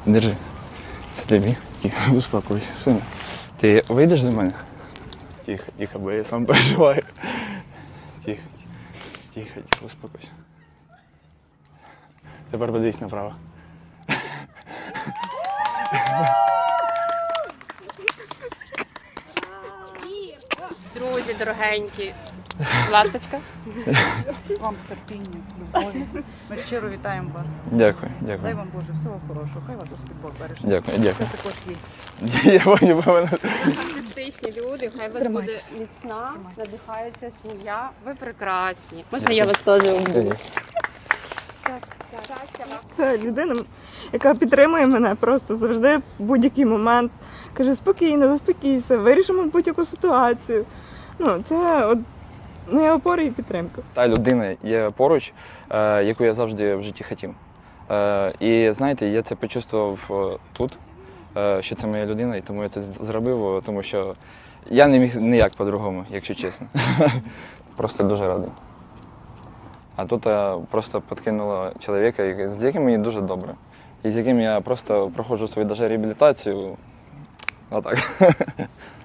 Держи. Це тобі. Тихо, успокойся. Сина. Ти вийдеш за мене? Тихо, тихо, бо я сам переживаю. Тихо, тихо, тихо, успокойся. Тепер подивись направо. Друзі, дорогенькі, ласточка. Вам терпіння, любові. Ми щиро вітаємо вас. Дякую, Дай дякую. вам Боже всього хорошого. Хай вас Господь Бог береже. Дякую, дякую. Це також є. Я понял, певно. Фантастичні люди, хай вас буде Тримайтеся. міцна, надихається сім'я. Ви прекрасні. Можна я вас теж обійму? Це людина, яка підтримує мене просто завжди в будь-який момент. Каже, спокійно, заспокійся, вирішимо будь-яку ситуацію. Ну, це от моя опора і підтримка. Та людина є поруч, яку я завжди в житті хотів. І знаєте, я це почувствував тут, що це моя людина, і тому я це зробив, тому що я не міг ніяк по-другому, якщо чесно. Просто дуже радий. А тут просто підкинуло чоловіка, з яким мені дуже добре. І з яким я просто проходжу свою даже реабілітацію. Отак.